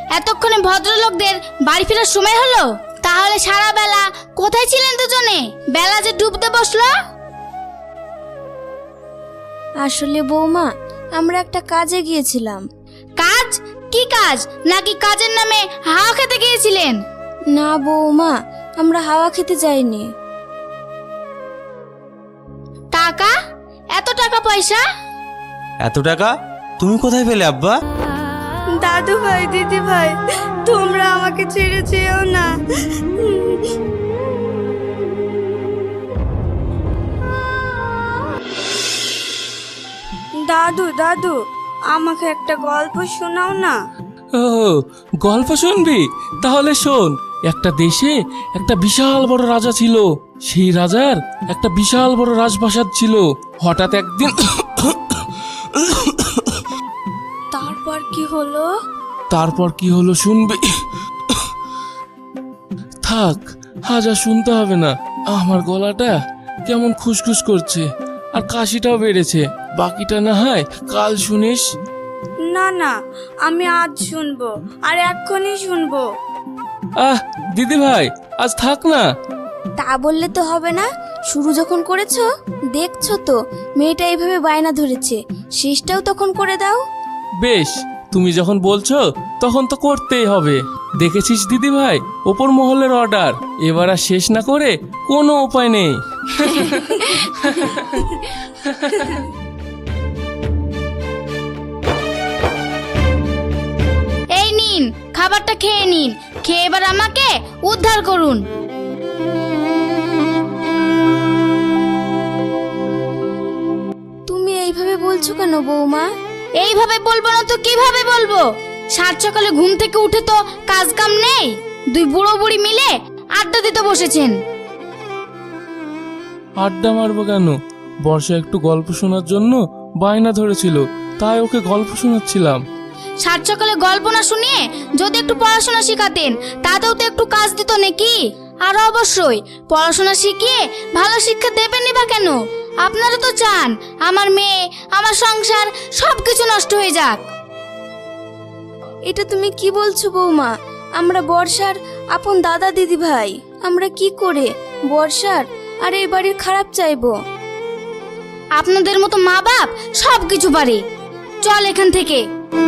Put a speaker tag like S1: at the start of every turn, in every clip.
S1: এতক্ষণে ভদ্রলোকদের বাড়ি ফেরার সময় হলো? তাহলে সারা বেলা কোথায় ছিলেন দুজনে? বেলা যে ডুবতে বসলো।
S2: আসলে বৌমা, আমরা একটা কাজে গিয়েছিলাম।
S1: কাজ? কি কাজ? নাকি কাজের নামে হাওয়া খেতে গিয়েছিলেন?
S2: না বৌমা, আমরা হাওয়া খেতে যাইনি।
S1: টাকা? এত টাকা পয়সা?
S3: এত টাকা তুমি কোথায় পেলে আব্বা?
S4: দাদু ভাই, দিদি ভাই, তোমরা আমাকে ছেড়ে যেও না। দাদু দাদু, আমাকে একটা গল্প শোনাও না।
S5: ও, গল্প শুনবি? তাহলে শোন। একটা দেশে একটা বিশাল বড় রাজা ছিল। সেই রাজার একটা বিশাল বড় রাজপ্রাসাদ ছিল। হঠাৎ একদিন
S4: তারপর কি হলো?
S5: তারপর কি হলো শুনবি? থাক, আজ আর শুনতে হবে না। আমার গলাটা কেমন খুসখুস করছে আর কাশিটাও বেড়েছে। বাকিটা না হয় কাল শুনিস।
S4: না না, আমি আজ শুনবো, আর এক্ষুনি শুনবো।
S5: দিদি ভাই, আজ থাক না।
S2: তা বললে তো হবে না। শুরু যখন করেছো, দেখছো তো মেয়েটা এইভাবে বায়না ধরেছে, শেষটাও তখন করে দাও।
S5: বেশ, তুমি যখন বলছো তখন তো করতেই হবে। দেখেছিস দিদি ভাই, ওপর মহলের অর্ডার। এবার আর শেষ না করে কোনো উপায় নেই।
S1: এই নিন, খাবারটা খেয়ে নিন। খেয়ে এবার আমাকে উদ্ধার করুন।
S2: তুমি এইভাবে বলছো কেন বৌমা?
S1: এইভাবে বলবো না তো কিভাবে বলবো? সাত সকালে ঘুম থেকে উঠে তো কাজ কাম নেই। দুই বুড়ো বুড়ি মিলে আড্ডা দিতে বসেছেন।
S5: আড্ডা মারবো কেন? বর্ষা একটু গল্প শোনার জন্য বায়না ধরেছিল, তাই ওকে গল্প শোনাচ্ছিলাম।
S1: সাত সকালে গল্প না শুনিয়ে যদি একটু পড়াশোনা শিখাতেন, তাতেও তো একটু কাজ দিত নাকি? আর অবশ্যই পড়াশোনা শিখিয়ে ভালো শিক্ষা দেবেনই বা কেন? আপনারা তো চান আমার মেয়ে, আমার সংসার সবকিছু নষ্ট হয়ে যাক।
S2: এটা তুমি কি বলছো বৌমা? আমরা বর্ষার আপন দাদা দিদি ভাই। আমরা কি করে বর্ষার আর এই বাড়ির খারাপ চাইবো?
S1: আপনাদের মতো মা বাপ সবকিছু পারে। চল এখান থেকে।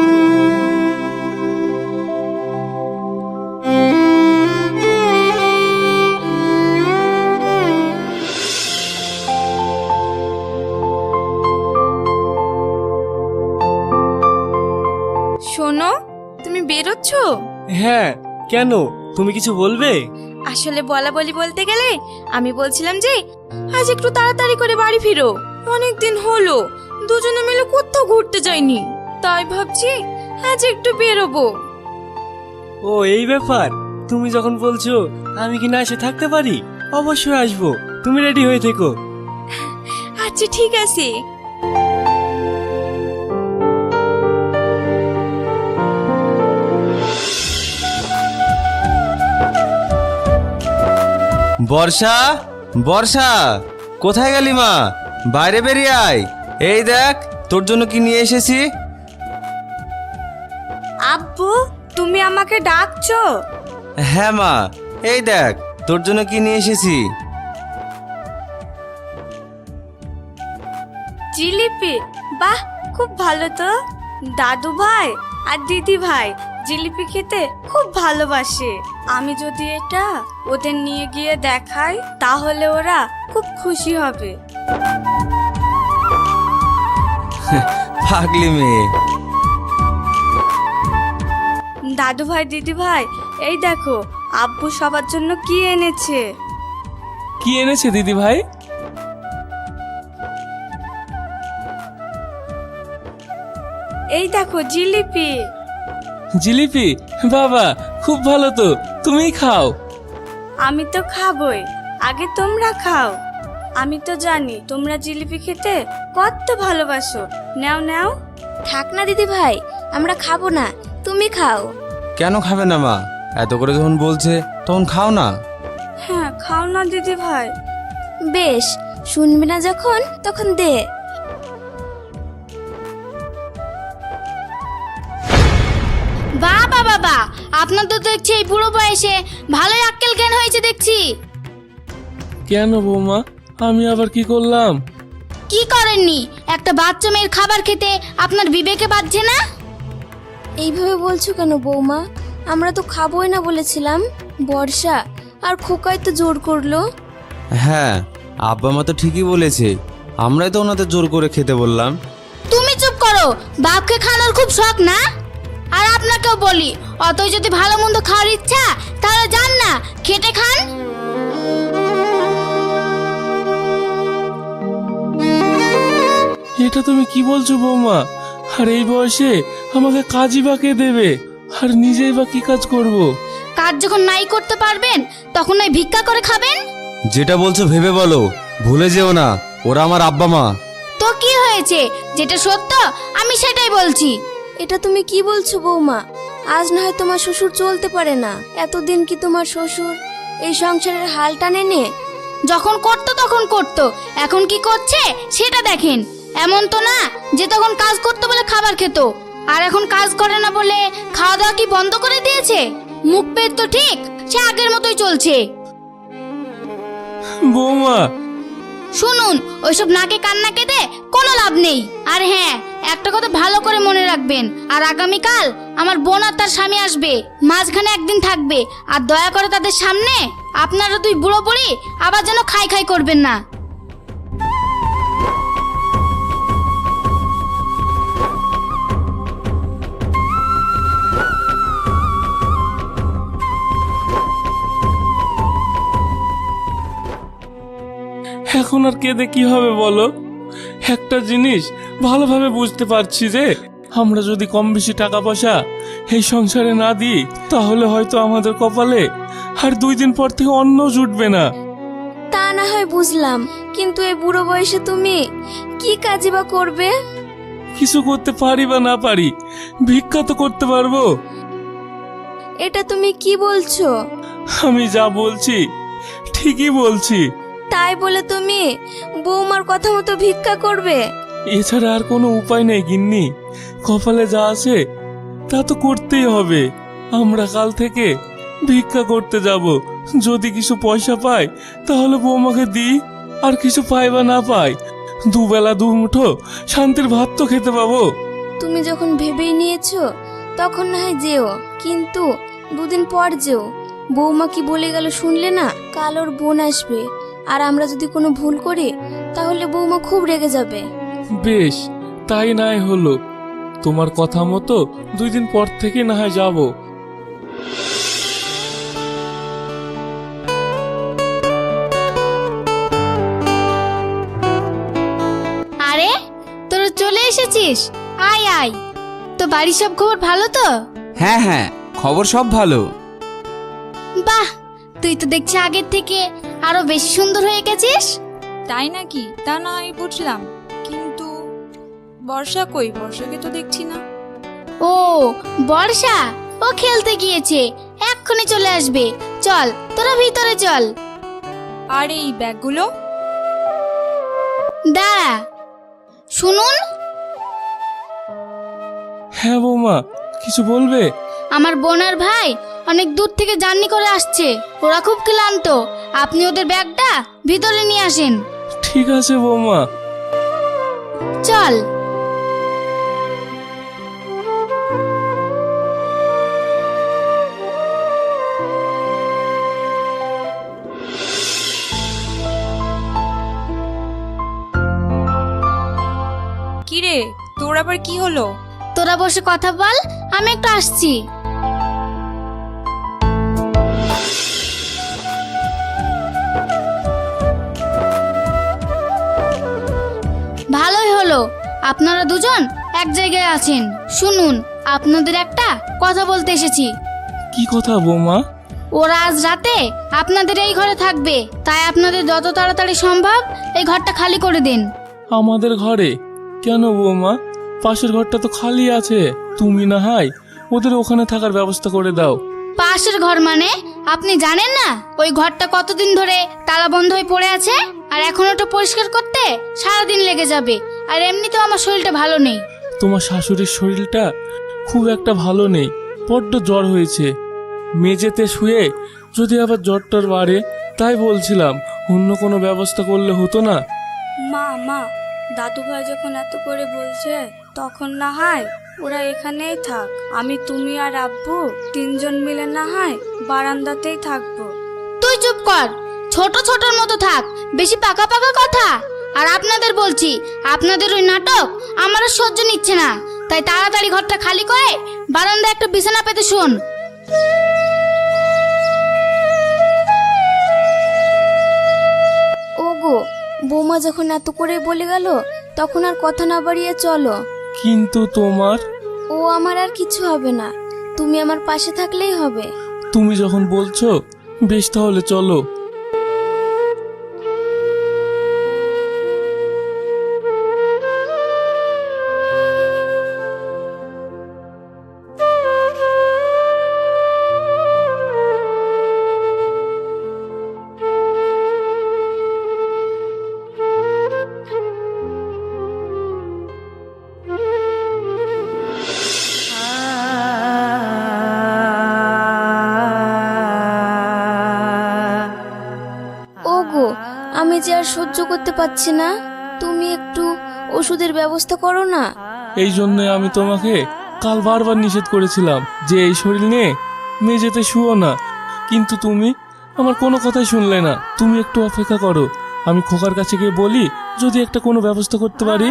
S4: শোনো, তুমি বেরোচ্ছ?
S3: হ্যাঁ, কেন? তুমি কিছু বলবে?
S4: আসলে বলা বলি বলতে গেলে আমি বলছিলাম যে আজ একটু তাড়াতাড়ি করে বাড়ি ফিরো। অনেক দিন হলো দুজনে মিলে কোথাও ঘুরতে যাইনি, তাই ভাবছি আজ একটু বেরোবো।
S3: ও, এই ব্যাপার। তুমি যখন বলছো আমি কি না এসে থাকতে পারি? অবশ্যই আসবো। তুমি রেডি হয়ে থেকো।
S4: আচ্ছা ঠিক আছে।
S3: বর্ষা, বর্ষা, কোথায় গেলি মা? বাইরে বেরিয়ে আয়। এই দেখ তোর জন্য কি নিয়ে এসেছি।
S4: আব্বু, তুমি আমাকে ডাকছো?
S3: হ্যাঁ মা, এই দেখ তোর জন্য কি নিয়ে এসেছি।
S4: জিলিপি? বাহ, খুব ভালো তো। দাদু ভাই আর দিদি ভাই জিলিপি খেতে খুব ভালোবাসে। আমি যদি এটা ওদের নিয়ে গিয়ে দেখাই তাহলে ওরা খুব খুশি হবে।
S3: পাগলি মেয়ে।
S4: দাদু ভাই, দিদি ভাই, এই দেখো আব্বু সবার জন্য কি এনেছে।
S5: কি এনেছে দিদি ভাই?
S4: এই দেখো জিলিপি।
S5: জিলিপি? বাবা, খুব ভালো তো। তুমিই খাও।
S4: আমি তো খাবই, আগে তোমরা খাও। আমি তো জানি তোমরা জিলিপি খেতে কত ভালোবাসো। নাও নাও।
S2: থাক না দিদি ভাই, আমরা খাবো না, তুমি খাও।
S3: কেন খাবে না মা? এত করে যখন বলছে তখন খাও না।
S4: হ্যাঁ, খাও না দিদি ভাই।
S2: বেশ, শুনবি না যখন তখন দে।
S1: বাবা বাবা, আপনার তো দেখছি এই বুড়ো বয়সে ভালোই আক্কেল জ্ঞান হয়েছে দেখছি।
S5: কেন বৌমা, আমি আবার কি করলাম?
S1: কি করেননি? একটা বাচ্চা মেয়ের খাবার খেতে আপনার বিবেকে বাজছে না?
S2: এইভাবে বলছো কেন বৌমা? আমরা তো খাবোই না বলেছিলাম। বর্ষা আর খোকাই তো জোর করলো।
S3: হ্যাঁ, আব্বা মা তো ঠিকই বলেছে, আমরাই তো ওনাদের জোর করে খেতে বললাম।
S1: তুমি চুপ করো, বাপকে খাওয়ানোর খুব শখ না? আর আপনাকেও বলি, অতই যদি ভালো মন্দ খাওয়ার ইচ্ছা তাহলে যান না, খেটে খান।
S5: এটা তুমি কি বলছো বৌমা? আর এই বয়সে আমাকে কাজই বা কে দেবে? আর নিজেই বা কি কাজ করব?
S1: কাজ যখন নাই করতে পারবেন তখন নয় ভিক্ষা করে খাবেন।
S3: যেটা বলছো ভেবে বলো, ভুলে যেও না ওরা আমার আব্বা মা।
S1: তো কি হয়েছে? যেটা সত্য আমি সেটাই বলছি।
S2: এটা তুমি কি বলছো বৌমা? আজ না হয় তোমার শ্বশুর চলতে পারে না, এতদিন কি তোমার শ্বশুর এই সংসারের হাল টানেনি?
S1: যখন করতো তখন করতো, এখন কি করছে সেটা দেখেন। এমন তো না যে তখন কাজ করতে বলে খাবার খেত, আর এখন কাজ করে না বলে খাওয়া দাওয়া কি বন্ধ করে দিয়েছে? মুখ পেট তো ঠিক সে আগের মতোই চলছে।
S5: বৌমা,
S1: শুনুন, ওইসব নাকে কান্না কেঁদে কোনো লাভ নেই। আর হ্যাঁ, একটা কথা ভালো করে মনে রাখবেন, আর আগামীকাল আমার বোন আর তার স্বামী আসবে, মাঝখানে একদিন থাকবে। আর দয়া করে তাদের সামনে আপনারা দুই বুড়ো বুড়ি আবার যেন খাই খাই করবেন না।
S5: এখন আর কেঁদে কি হবে বলো? একটা জিনিস ভালোভাবে বুঝতে পারছি যে আমরা যদি কম বেশি টাকা পয়সা এই সংসারে না দিই তাহলে হয়তো আমাদের কপালে আর 2 দিন পর থেকে অন্ন জুটবে না।
S2: তা না হয় বুঝলাম, কিন্তু এই বুড়ো বয়সে তুমি কি কাজই বা করবে?
S5: কিছু করতে পারি বা না পারি, ভিক্ষা তো করতে পারবো।
S2: এটা তুমি কি বলছো?
S5: আমি যা বলছি ঠিকই বলছি।
S2: তাই বলে তুমি বৌমার কথা মতো ভিক্ষা করবে?
S5: এছাড়া আর কোনো উপায় নেই গিন্নি, কপালে যা আছে তা তো করতেই হবে। আমরা কাল থেকে ভিক্ষা করতে যাব, যদি কিছু পয়সা পাই তাহলে বৌমাকে দিই, আর কিছু পাই বা না পাই দুবেলা 2 মুঠো শান্তির ভাত তো খেতে পাবো।
S2: তুমি যখন ভেবেই নিয়েছো তখন না হয় যেও, কিন্তু 2 দিন পর যেও। বৌমা কি বলে গেল শুনলে না? কাল ওর বোন আসবে, আর আমরা যদি কোনো ভুল করি তাহলে বৌমা খুব রেগে যাবে।
S5: বেশ, তাই নাই হলো। তোমার কথা মতো 2 দিন পর থেকে না হয় যাবো।
S1: আরে তোরা চলে এসেছিস, আয় আয়। তো বাড়ির সব খবর ভালো তো?
S6: হ্যাঁ হ্যাঁ, খবর সব ভালো।
S1: বাহ, তুই তো দেখছি আগের থেকে আরো বেশি সুন্দর হয়ে গেছিস।
S7: তাই নাকি? তা না আমি বুঝলাম, কিন্তু বর্ষা কই? বর্ষাকে তো দেখছি না।
S1: ও বর্ষা, ও খেলতে গিয়েছে, এক্ষুনি চলে আসবে। চল তোরা ভিতরে চল।
S7: আর এই ব্যাগগুলো?
S1: দাঁড়া, শুনুন।
S5: হ্যাঁ বৌমা, কিছু বলবে?
S1: আমার বোন আর ভাই অনেক দূর থেকে জার্নি করে আসছে, ওরা খুব ক্লান্ত। আপনি ওদের ব্যাগটা ভিতরে নিয়ে আসেন।
S5: ঠিক আছে বৌমা।
S1: চল।
S7: কিরে, তোর আবার কি হলো?
S1: তোরা বসে কথা বল, আমি একটু আসছি। ভালোই হলো আপনারা দুজন এক জায়গায় আছেন। শুনুন, আপনাদের একটা কথা বলতে এসেছি।
S5: কি কথা বৌমা?
S1: ওরা আজ রাতে আপনাদের এই ঘরে থাকবে, তাই আপনাদের যত তাড়াতাড়ি সম্ভব এই ঘরটা খালি করে দিন।
S5: আমাদের ঘরে? কেন বৌমা, পাশের ঘরটা তো খালি আছে। তুমি না হয় ওদের ওখানে থাকার ব্যবস্থা করে দাও।
S1: পাশের ঘর মানে? আপনি জানেন না ওই ঘরটা কতদিন ধরে তালা বন্ধ হয়ে পড়ে আছে? আর এখন ওটা পরিষ্কার করতে সারাদিন লেগে যাবে। আর এমনিতেও আমার শরীরটা ভালো নেই।
S5: তোমার শাশুড়ির শরীরটা খুব একটা ভালো নেই, বড্ড জ্বর হয়েছে। মেঝেতে শুয়ে যদি আবার জ্বরটার বাড়ে, তাই বলছিলাম অন্য কোনো ব্যবস্থা করলে হতো না?
S4: মা দাদু ভাই যখন এত করে বলছে তখন না হয় ওরা এখানেই থাক। আমি, তুমি আর আব্বু তিনজন মিলে না হয় বারান্দাতেই থাকবো।
S1: তুই চুপ কর, ছোট ছোটর মতো থাক, বেশি পাকা পাকা কথা। আর আপনাদের বলছি, আপনাদের ওই নাটক আমার আর সহ্য নিচ্ছে না। তাই তাড়াতাড়ি ঘরটা খালি করে বারান্দায় একটা বিছানা পেতে শোন।
S2: ওগো, বৌমা যখন এত করে বলে গেল তখন আর কথা না বাড়িয়ে চলো।
S5: কিন্তু তোমার,
S2: ও আমার আর কিছু হবে না, তুমি আমার পাশে থাকলেই হবে।
S5: তুমি যখন বলছো বেশ, তাহলে চলো।
S2: ওগো, আমি যে আর সহ্য করতে পারছি না, তুমি একটু ওষুধের ব্যবস্থা করো না।
S5: এই জন্য আমি তোমাকে কাল বারবার নিষেধ করেছিলাম যে এই শরীর নিয়ে মেঝেতে শুও না, কিন্তু তুমি আমার কোনো কথাই শুনলে না। তুমি একটু অপেক্ষা করো, আমি খোকার কাছে গিয়ে বলি যদি একটা কোনো ব্যবস্থা করতে পারি।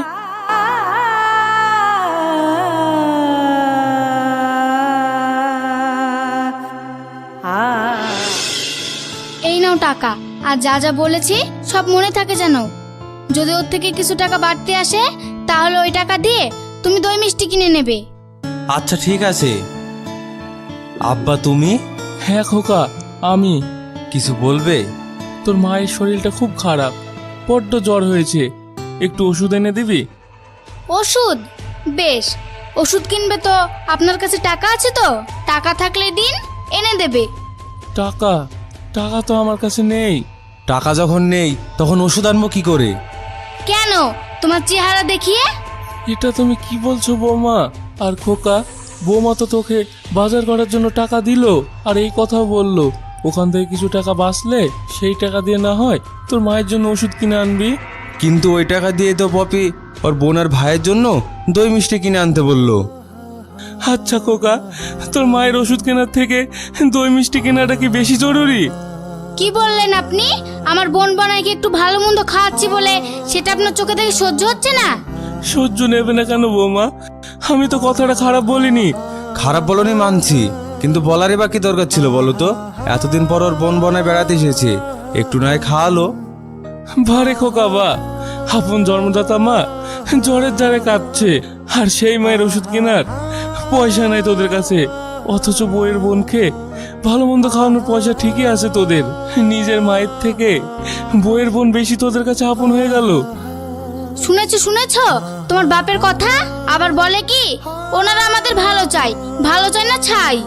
S1: এই নাও টাকা, আর যা যা বলেছি সব মনে থাকে যেন। যদি ওর থেকে কিছু টাকা বাড়তে আসে তাহলে ওই টাকা দিয়ে তুমি দই মিষ্টি কিনে নেবে।
S3: আচ্ছা ঠিক আছে। আব্বা তুমি
S5: হ্যাঁ খোকা, আমি।
S3: কিছু বলবে?
S5: তোর মায়ের শরীরটা খুব খারাপ, বড্ড জ্বর হয়েছে, একটু ওষুধ এনে দিবি?
S1: ওষুধ? বেশ, ওষুধ কিনবে তো আপনার কাছে টাকা আছে তো? টাকা থাকলে দিন, এনে দেবে।
S5: টাকা? টাকা তো আমার কাছে নেই।
S3: টাকা যখন নেই তখন ওষুধ আনবো কি করে?
S1: কেন, তোমার চেহারা দেখিয়ে?
S5: এটা তুমি কি বলছো বৌমা? আর খোকা, বৌমা তো তোকে বাজার করার জন্য টাকা দিল, আর এই কথাও বললো ওখান থেকে কিছু টাকা বাঁচলে সেই টাকা দিয়ে না হয় তোর মায়ের জন্য ওষুধ কিনে আনবি।
S3: কিন্তু ওই টাকা দিয়ে তো পপি ওর বোন আর ভাইয়ের জন্য দই মিষ্টি কিনে আনতে বললো।
S5: আচ্ছা খোকা, তোর মায়ের ওষুধ কেনার থেকে দই মিষ্টি কেনাটা কি বেশি জরুরি?
S1: কি বললেন আপনি? আমার বোন বানাইকে একটু ভালো মন্দ খাওয়াচ্ছি বলে সেটা আপনার চোখে থেকে সহ্য হচ্ছে না?
S5: সহ্য নেবে না কেন বৌমা? আমি তো কথাটা খারাপ বলিনি।
S3: খারাপ বলনি মানছি, কিন্তু বলারই বা কি দরকার ছিল বলো তো? এতদিন পর ওর বোন বনায় বেড়াতে এসেছে, একটু নয় খাওয়ালো।
S5: ভারে খোকা বা, আপন জন্মদাতা মা জ্বরের জ্বারে কাঁদছে, আর সেই মায়ের ওষুধ কেনার পয়সা নাই তোদের কাছে। অথচ বইয়ের বোনকে ভালো মন্দ খাওয়ানোর পয়সা ঠিকই আছে তোদের। নিজের মায়ের থেকে বইয়ের বোন বেশি তোদের কাছে আপন হয়ে গেল।
S1: শুনেছো তোমার বাপের কথা? আবার বলে কি ওনারা আমাদের ভালো চাই, ভালো চাই না ছাই।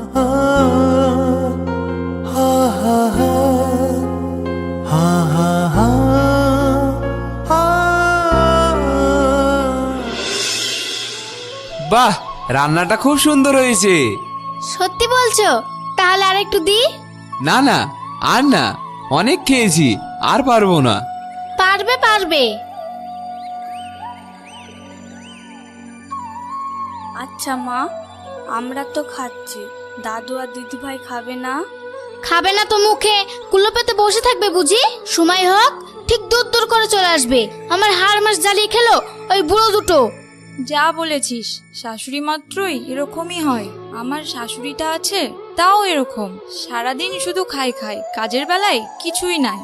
S6: বাহ, রান্নাটা খুব সুন্দর হয়েছে।
S1: সত্যি বলছো? তাহলে আর একটু দি।
S6: না না, আর না, অনেক খেয়েছি, আর পারবো না।
S1: পারবে।
S4: আচ্ছা মা, আমরা তো খাচ্ছি, দাদু আর দিদি ভাই খাবে না?
S1: খাবে না তো মুখে কুলো পেতে বসে থাকবে বুঝি? সময় হোক ঠিক দূর করে চলে আসবে। আমার হাড় মাস জ্বালিয়ে খেলো ওই বুড়ো দুটো।
S7: যা বলেছিস, শাশুড়ি মাত্রই এরকমই হয়। আমার শাশুড়িটা আছে তাও এরকম, সারাদিন শুধু খাই, কাজের বেলায় কিছুই নাই।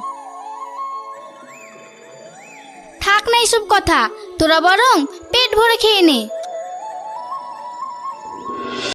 S1: থাক না এইসব কথা, তোরা বরং পেট ভরে খেয়ে নে।